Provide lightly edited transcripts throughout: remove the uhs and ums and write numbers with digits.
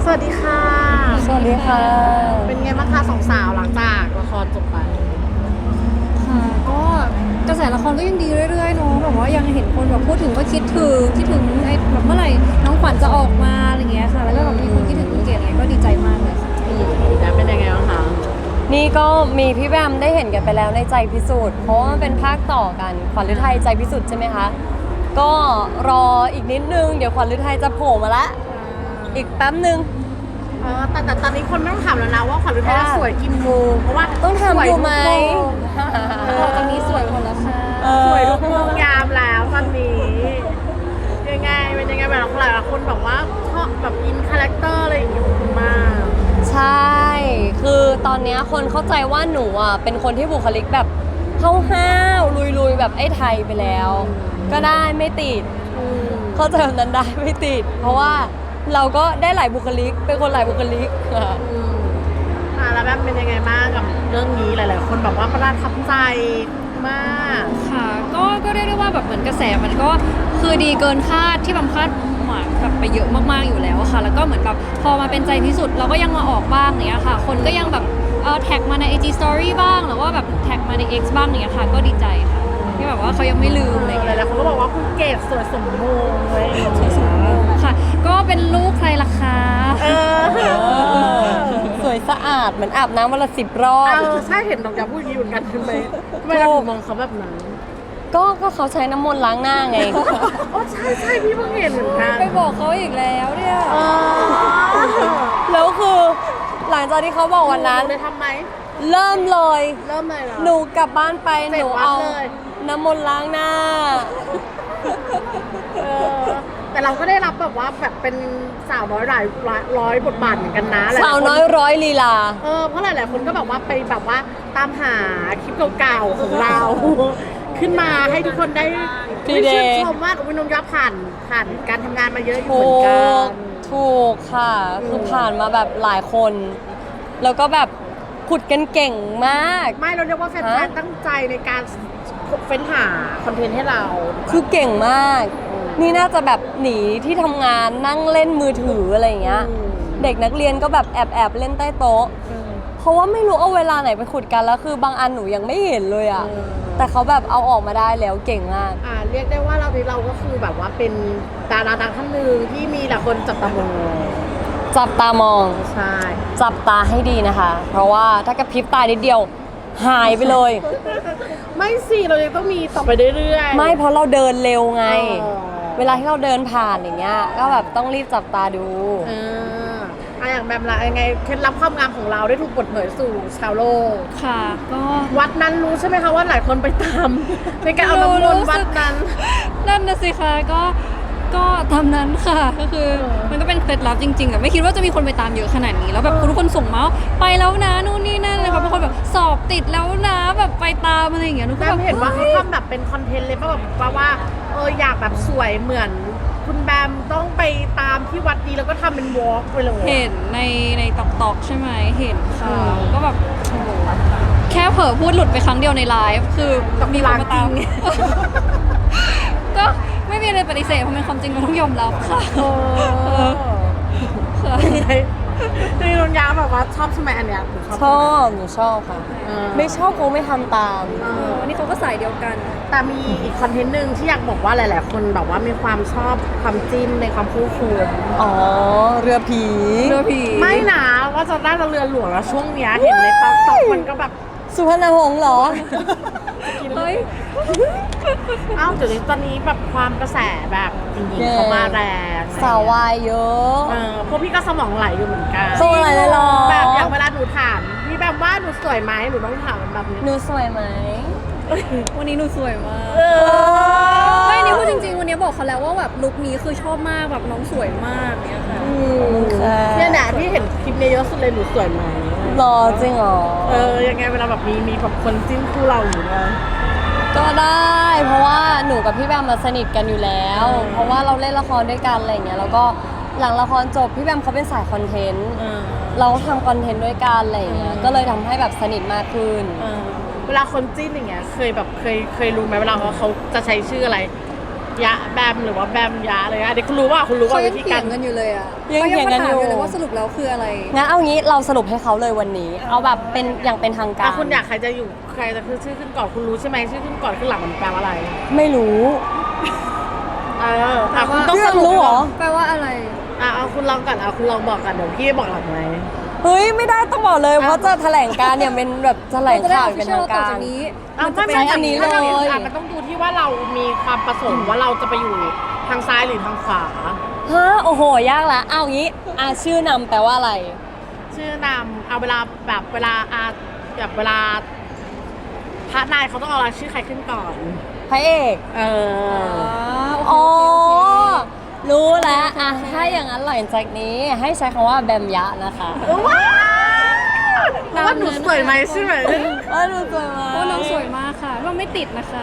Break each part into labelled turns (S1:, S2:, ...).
S1: สวัสดีค่ะ
S2: สวัสดีค่ะ
S1: เป็นไงบ้างคะสองสาวหลังจากละครจบไป
S2: ค่ะก็กระแสละครก็ยังดีเรื่อยๆเนาะแบบว่ายังเห็นคนแบบพูดถึงว่าคิดถึงไอ้แบบเมื่อไหร่น้องขวัญจะออกมาอะไรเงี้ยค่ะแล้วก็แบบมีคนคิดถึงคุณเกดอะไรก็ดีใจมากเลยค่ะ
S1: แล้วเป็นยังไงบ้างคะ
S3: นี่ก็มีพี่แบมได้เห็นกันไปแล้วในใจพิสูจน์เพราะว่ามันเป็นภาคต่อกันขวัญฤทัยใจพิสูจน์ใช่ไหมคะก็รออีกนิดนึงเดี๋ยวขวัญฤทัยจะโผล่มาละอีกแป๊บนึง
S1: แต่ตอนนี้คนไม่ต้องถามแล้วนะว่าขวัญฤทัยสวยกี่โมงเพราะว่า
S3: ต้องทำอยู่ไหม
S2: ตอนนี้สวยหมดแล้วค่ะ
S1: สวยทุกโมงยามแล้วตอนนี้ยังไงเป็นยังไงแบบหลายคนแบบว่าชอบแบบอินคาแรคเตอร์อะไรอย่างเงี้ยมาก
S3: ใช่คือตอนเนี้ยคนเข้าใจว่าหนูอ่ะเป็นคนที่บุคลิกแบบห้าวๆลุยๆแบบไอ้ไทยไปแล้ว ก็ได้ไม่ติดเข้าใจแบบนั้นได้ไม่ติด เพราะว่าเราก็ได้หลายบุคลิกเป็นคนหลายบุคลิก
S1: แล้วแบบเป็นยังไงบ้างกับเรื่องนี้หลายๆคนแบบว่าประทับใจมาก
S2: ค่ะก็เรียกได้ว่าแบบเหมือนกระแสมันก็คือดีเกินคาดที่บำคาดหมายแบบไปเยอะมากๆอยู่แล้วค่ะแล้วก็เหมือนแบบพอมาเป็นใจที่สุดเราก็ยังมาออกบ้างเนี้ยค่ะคนก็ยังแบบแท็กมาใน IG Story บ้างหรือว่าแบบแท็กมาใน X บ้างเนี้ยค่ะก็ดีใจค่ะที่แบบว่าเขายังไม่ลืมอะไร
S1: ห
S2: เงี้ย
S1: ลายๆคนก็บอกว่าคุณเกดสวยสมมงเลย
S2: ค่ะก็เป็นลูกใครล่ะคะ
S3: สวยสะอาดเหมือนอาบน้ำวันละ10 รอบ
S1: ใช่เห็นน้องยาพูดอย่างนี้เหมือนกันทำไมเราถึงมองเขาแบบนั้น
S3: ก็เขาใช้น้ำมนต์ล้างหน้าไง
S1: ใช่พี่เพิ่งเห็นเหมือนกัน
S2: ไปบอกเขาอีกแล้วเนี่ย
S3: แล้วคือหลังจากที่เขาบอกวันนั้น
S1: ได้ทำไหม
S3: เริ่มเลย
S1: เริ่มเลยเหรอ
S3: หนูกลับบ้านไป
S1: เสร็
S3: ห
S1: จ
S3: นู
S1: วัด
S3: เอา
S1: เลย
S3: น้ำมนต์ล้างหน้า
S1: แต่เราก็ได้รับแบบว่าแบบเป็นสาวน้อยหลายร้อยบทบาทเหมือนกันนะ
S3: สาวน้อยร้อยลีลา
S1: เพราะหลายๆคนก็แบบว่าไปแบบว่าตามหาคลิปเก่าๆของเรา ขึ้นมาให้ทุกคนได้
S3: พี่เดย์
S1: ชื่นชมว่าอุ้ยน้องยับผ่านการทำงานมาเยอะอยู่
S3: ถู
S1: เหมือนกัน
S3: ถูกค่ะ คือผ่านมาแบบหลายคน แล้วก็แบบขุดกันเก่งมาก
S1: ไม่เราเรียกว่าแฟนๆตั้งใจในการเฟ้นหาคอนเทนต์ให้เรา
S3: คือเก่งมาก นี่น่าจะแบบหนีที่ทำงานนั่งเล่นมือถืออะไรอย่างเงี้ย เด็กนักเรียนก็แบบแอบเล่นใต้โต๊ะ เพราะว่าไม่รู้เอาเวลาไหนไปขุดกันแล้วคือบางอันหนูยังไม่เห็นเลยอ่ะ แต่เขาแบบเอาออกมาได้แล้วเก่งมาก
S1: เรียกได้ว่าเราก็คือแบบว่าเป็นดาราดังท่านหนึ่งที่มีหลายคนจับตามอง
S3: จับตามอง
S1: ใช่
S3: จับตาให้ดีนะคะ เพราะว่าถ้ากระพริบตานิดเดียวหายไปเลย
S1: ไม่สิเรายังต้องมีต่อไปเรื่อยๆ
S3: ไม่เพราะเราเดินเร็วไง
S1: อ๋อ
S3: เวลาที่เราเดินผ่านอย่างเงี้ย ก็แบบต้องรีบจับตาดู
S1: อย่างแบบละยังไงเคล็ดลับความงามของเราได้ถูกเปิดเผยสู่ชาวโลก
S2: ค่ะก็
S1: วัดนั้นรู้ใช่ไหมคะว่าหลายคนไปตาม ในการเอาน้ำมนต์วัดนั้น
S2: นั่นนะสิคะก็ทำนั้นค่ะก็คือมันก็เป็นเคล็ดลับจริงๆแต่ไม่คิดว่าจะมีคนไปตามเยอะขนาดนี้แล้วแบบทุกคนส่งมาว่าไปแล้วนะนู่นนี่นั่นเลยค่ะบางคนแบบสอบติดแล้วนะแบบไปตามอะไรอย่างเงี้ยหนูก็
S1: แบ
S2: แบบ บ
S1: เห็นว่าเขาทำแบบเป็นคอนเทนต์เลยป่ะแบบว่าอยากแบบสวยเหมือนคุณแบมต้องไปตามที่วัดนี้แล้วก็ทำเป็นวอล์กไปเลย
S2: เห็นในตอกใช่ไหมเห็นค่ะก็แบบโอ้โหแค่เผลอพูดหลุดไปครั้งเดียวในไลฟ์คือมีคนมาตาม ก็ไม่มีอะไรปฏิเสธเพราะเป็นความจริงเราต้องยอมรับค่ะค่ะ
S1: คือนนยาแบบว่าชอบใช่ไหมอันเนี้ย
S3: หนูชอบค่ะ ไม่ชอบคงไม่ทำตาม
S2: วันนี้เขาก็สายเดียวกัน
S1: แต่มีอีกคอนเทนต์หนึ่งที่อยากบอกว่าหลาย ๆ คนแบบว่ามีความชอบความจิ้นในความคู่ควร
S3: อ๋อ เรือผี
S1: ไม่นะว่าจะได้เรือหลวงแล้วช่วงเนี้ยเห็นในต๊อกมันก็แบบ
S3: สุพรรณหงส์เหรอ
S2: เฮ้ย
S1: เดี๋ยวนี้ตอนนี้แบบความกระแสแบบจริงๆเขามาแรง
S3: สาววายเยอะ
S1: พวกพี่ก็สมองไหลอยู่เหมือนกัน
S3: สมองไหลเลยเหรอ
S1: แบบอย่างเวลาหนูถามพี่แบบว่าหนูสวยไหมหนูต้องถามแบบนี้
S3: หนูสวยไหม
S2: วันนี้หนูสวยมากไม่นี่พูดจริงๆวันนี้บอกเขาแล้วว่าแบบลุคนี้คือชอบมากแบบน้องสวยมากเนี่ยค่ะ
S1: เนี่ยนะพี่เห็นคลิปนี้เยอะสุดเลยหนูสวยไหม
S3: หรอจริงเหรอ
S1: ยังไงเวลาแบบมีแบบคนจิ้นคู่เราอยู่ด้วย
S3: ก็ได้ เพราะว่าหนูกับพี่แบมมาสนิทกันอยู่แล้ว เพราะว่าเราเล่นละครด้วยกันอะไรเงี้ยแล้วก็หลังละครจบพี่แบมเขาเป็นสายคอนเทนต์เราทำคอนเทนต์ด้วยกันอะไรเงี้ยก็เลยทำให้แบบสนิทมากขึ้น
S1: เวลาคนจิ้นอย่างเงี้ยเคยรู้ไหมเวลาเขาจะใช้ชื่ออะไรยะแบมหรือว่าแบมยะเลยอะเด็กคุณรู้ว่าคุณรู้ว่า
S2: เขายั
S1: วิ
S2: ง
S1: ธี
S2: เถี
S1: กาย ร
S2: งกันอยู่เลยอ่ะ
S3: ยังเถียงกันอยู่
S2: ขามาถามเลยว่าสรุปแล้วคืออะไร
S3: งั้นเอางี้เราสรุปให้เขาเลยวันนี้ เอาแบบเป็นอย่างเป็นทางการ
S1: คุณอยากใครจะอยู่ใครจะคือชื่อขึ้นก่อนคุณรู้ใช่ไหมชื่อขึ้นก่อนขึ้นหลังมันแปลว่าอะไร
S3: ไม่รู้
S1: คุณต้อง
S3: เพื่
S1: ส
S3: อน
S1: รุป
S3: รู้เหรอ
S2: แปลว่าอะไร
S1: เอาคุณลองก่อนเอาคุณลองบอกกันเดี๋ยวพี่บอกหลังไหม
S3: เฮ้ยไม่ได้ต้องบอกเลยเพราะจะแถลงการเนี่ยเป็นแบบแถลงข่าวอย่างเป็นทาง
S2: ต่อ
S3: การ
S2: จากนี้
S1: เอาไม่
S3: ใช้อันนี้เลย
S1: มันต้องดูที่ว่าเรามีความประสงค์ว่าเราจะไปอยู่ทางซ้ายหรือทางขวา
S3: ฮะโอ้โหยากละเอางี้ชื่อนำแปลว่าอะไร
S1: ชื่อนำเอาเวลาแบบเวลาแบบเวลาพระนายเขาต้องเอาชื่อใครขึ้นก่อน
S3: พระเอก
S1: เออ
S3: อ๋อรู้แล้วถ้าอย่างนั้นหลังจากนี้ให้ใช้คำว่าแบมยะนะคะ
S1: ว้าวเพราะว่าหนูสวยไหมใช่ไหม
S3: ดูสวยมาก
S2: โอ้น้องสวยมากค่ะเราไม่ติดนะคะ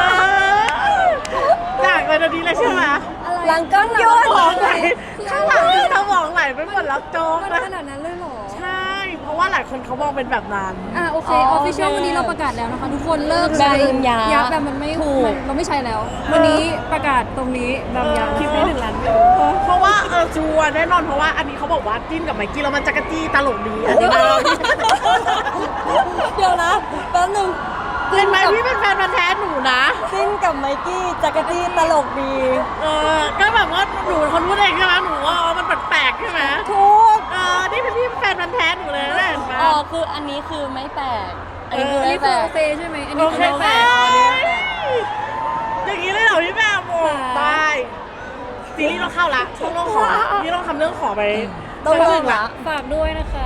S1: อยากเป็นอันนี้เลยใช่ไหม
S3: หลังก้อนย
S1: ส
S3: น
S1: มองไหลข้างหลังคือสมองไหลไปหมดแล้วโจ๊ก
S2: มัน
S1: นะ
S2: ขนาดนั้นเลยเหรอ
S1: ใช่ เพราะว่าหลายคนเขามองเป็นแบบนั้น
S2: โอเคออฟฟิเชียลวันนี้เราประกาศแล้วนะคะ ทุกคนเลิก
S3: แบ
S2: ใช้
S3: มยะ
S2: ยักษ์แบบมันไม่
S3: ถูก
S2: เราไม่ใช้แล้ว วันนี้ประกาศตรงนี้แบมยักษ์
S1: คลิปได้1 ล้านวิวเพราะว่าชัวร์แน่นอนเพราะว่าอันนี้เขาบอกว่าจิ้นกับไมค์กี้แล้วมันจักรจี้ตลกดีอันนี้เรา
S3: เดี๋ยวนะแป๊บนึง
S1: เห็นไหมพี่เป็นแฟนพันธุ์แท้หนูนะ
S3: จิ้นกับไมกี้จักรจี้ตลกดี
S1: ก็แบบว่าหนูคนพูดเองใช่ไหมหนูว่ามันแปลกๆใช่ไหม
S3: ทุก
S1: นี่เป็นพี่แฟนพันธุ์แท้หนูเลยนะเห็นไหม
S3: คืออันนี้คือไม่แปลกอันนี้คือ
S2: อัน
S3: ไม่
S2: นี้
S3: แป
S2: คือ
S3: ล
S2: โอก เคใช่ไหมอัน
S1: โอ
S2: นี้
S1: เค
S2: คือ
S1: ไหมอย่างนี้เลยเหรอพี่แม่โอ้ได้ซีรีส์ต้องเข้าละช่วงเรื่องขอนี่ต้องทำเรื่องขอไป
S3: ต้องเลิกละ
S2: ฝากด้วยนะคะ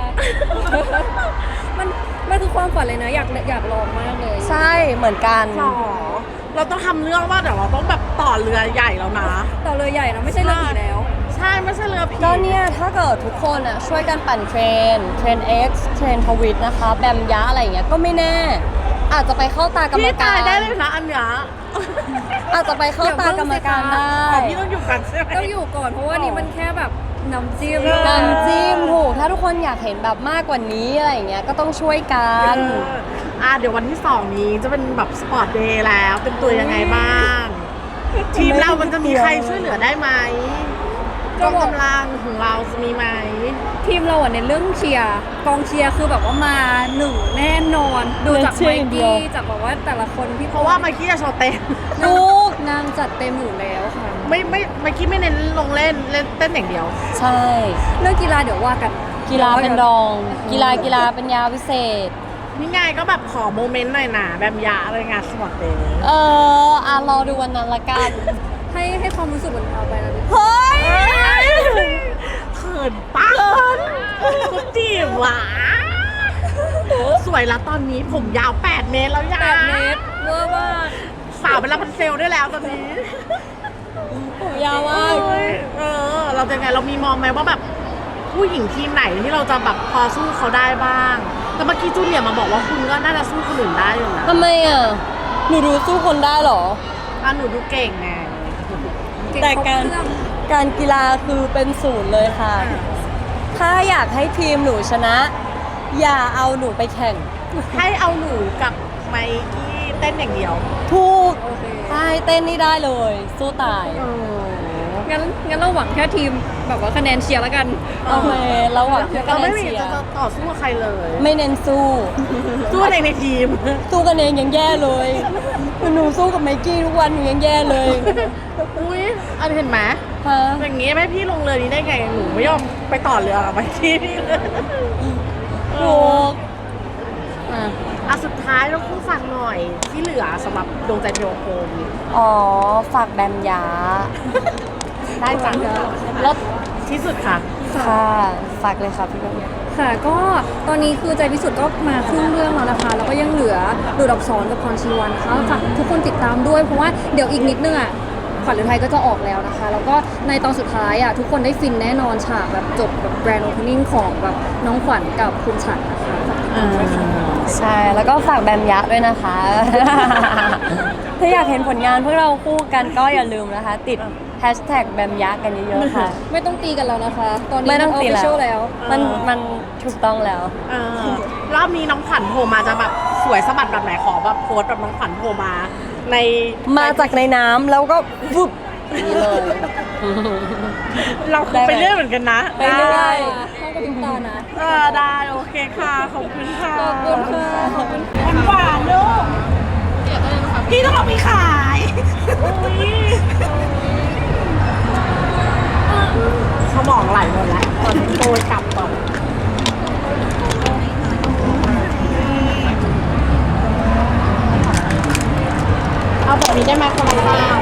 S2: มันคือความฝันเลยนะ อยากลองมากเลย
S3: ใช่เหมือนกัน
S1: ขอเราต้องทำเรื่องว่าเดี๋ยวเราต้องแบบต่อเรือใหญ่แล้วนะ
S2: ต่อเรือใหญ่นะไม่ใช่เรือผีแล้ว
S1: ใช่ไม่ใช่เรือผี
S3: ก็เนี่ยถ้าเกิดทุกคนช่วยกันปั่นเทรน X เทรนทวิตนะคะ แบมยะอะไรอย่างเงี้ยก็ไม่แน่ อาจจะไปเข้าตากรรม
S1: พี่
S3: กา
S1: ตาร ยได้เลยนะอันเนี้ย
S3: อาจจะไปเข้าตากรรมการได้
S1: พี่ต้องอยู่กันใช่ไหม
S2: ต้องอยู่ก่อนเพราะว่านี่มันแค่แบบน้ำจิ้ม
S3: น้ำจิ้มถูกถ้าทุกคนอยากเห็นแบบมากกว่านี้อะไรอย่างเงี้ยก็ต้องช่วยกัน
S1: เดี๋ยววันที่ 2 นี้จะเป็นแบบสปอร์ตเดย์แล้วเป็นตัวยังไงบ้าง ทีมเรามันจะมีใครช่วยเหลือได้ไหมกองกำลังของเราจะมีไหม
S2: ทีมเราในเรื่องเชียร์กองเชียร์คือแบบว่ามาหนึ่งแน่นอน ดูจาก
S3: เชี
S2: ไม
S3: ยร์อย่างเดีย
S2: กี้
S3: ว
S2: จากแบบว่าแต่ละคนที่
S1: เพราะว่าเมื่อกี้จะโชว์เต้น
S3: ลูก
S2: นางจัดเต็มอยู่แล้วค่ะ
S1: ไม่เมื่อกี้ไม่เน้นลงเล่นเต้นอย่างเดียว
S3: ใช่
S2: เรื่องกีฬาเดี๋ยวว่ากัน
S3: กีฬาเป็นรอง กีฬาเป็นยาพิเศษ
S1: นี่ไงก็แบบขอโมเมนต์หน่อยนะแบบยาอะไรงานสปอร์ตเดย์
S3: รอดูวันนั้นละกัน
S2: ให้ความรู้สึกมันเอาไปนะดิ
S3: เฮ้ย
S1: เขินปะคุณจีบหวะสวยแล้วตอนนี้ผมยาว 8 เมตรแล้วยา
S2: 8 เมตรเวอร์มาก
S1: สาวเป็นรับพันเซลได้แล้วตอนนี้
S3: ผมยาวมาก
S1: เราจะไงเรามีมองไหมว่าแบบผู้หญิงทีมไหนที่เราจะแบบพอสู้เขาได้บ้าง แต่เมื่อกี้จูเนียร์มาบอกว่าคุณก็น่าจะสู้คนอื่นได้อยู่นะ
S3: ทำไมหนูดูสู้คนได้เหรอ
S1: หนูดูเก่งไง
S2: เก่ง
S3: แต่
S2: ครบ
S3: การ
S2: เครื่อง
S3: การกีฬาคือเป็นศูนย์เลยค่ะ ถ้าอยากให้ทีมหนูชนะ อย่าเอาหนูไปแข่ง
S1: ให้เอาหนูกับไมกี้เต้นอย่างเดียว
S3: ถูก
S2: โอเค
S3: ใช่เต้นนี่ได้เลย สู้ตาย
S2: งั้นเราหวังแค่ทีมแบบว่าคะแนนเชียร์แล้วกัน
S3: โอเคเราหวังแค่คะ
S1: เรา
S3: แน
S1: ไม่
S3: น
S1: มี
S3: เชีย
S1: จะ
S3: ร์
S1: ต่อสู้กับใครเลย
S3: ไม่เน้นสู้
S1: สู้ในทีม
S3: สู้กันเองยังแย่เลยหนูสู้กับไมกี้ทุกวันหนูยังแย่เลย
S1: อุ้ยอันเห็นไหม
S3: ฮะ
S1: อย่างงี้แม่พี่ลงเรือนี้ได้ไงหนูไม่ยอมไปต่อเรือกับไมกี้พี่เลย
S3: ถูก
S1: สุดท้ายเราพูดฟังหน่อยที่เหลือสำหรับดวงใจเทวโคม
S3: ฝากแบมยา
S1: ได้จ้ะ
S3: แล้ว
S1: ที่สุดค่ะ
S3: ค่ะฝากเลยค่ะพี่แบม
S2: ค่ะก็ตอนนี้คือใจพิสุทธิ์ก็มาครึ่งเรื่องแล้วนะคะ แล้วก็ยังเหลือดูดอักษรกับพรชีวันนะคะฝากทุกคนติดตามด้วยเพราะว่าเดี๋ยวอีกนิดนึงขวัญฤทัยก็จะออกแล้วนะคะ แล้วก็ในตอนสุดท้ายทุกคนได้ฟินแน่นอนฉากแบบจบแบบแบรนด์โอเพนนิ่งของแบบน้องขวัญกับคุณฉันนะคะฝากติดตามด้วยค่ะ
S3: ใช่แล้วก็ฝากแบมยะด้วยนะคะ ถ้าอยากเห็นผลงานพวกเราคู่กันก็อย่าลืมนะคะ ติดแฮชแท็กแบมยะกันเยอะๆค่ะ
S2: ไม่ต้องตีกันแล้วนะคะ ตอนนี้
S3: ไม่ต้องตี
S2: ออฟฟิเชียลแล้ว
S3: มันถูกต้องแล้ว
S1: รอบนี้น้องขวัญโผล่มาจะแบบสวยสะบัดแบบไหนขอแบบโพสต์แบบน้องขวัญโผล่มาใน
S3: มาจากในน้ำแล้วก็ฟุบนี่เลย
S1: เราไปเรื่อยเหมือนกันนะ
S3: ไปเรื่อย
S2: ห้องกระพริบตานะ
S1: ได้โอเคค่ะขอบคุณค่ะ
S2: ขอบคุณค่ะขอบคุณ
S1: หวานลูกพี่ต้องเอาไปขายสมองไหลหมดแล้วตอนนี้โตยกลับก่อนเอาแบบนี้ได้ไหมคนละเจ้า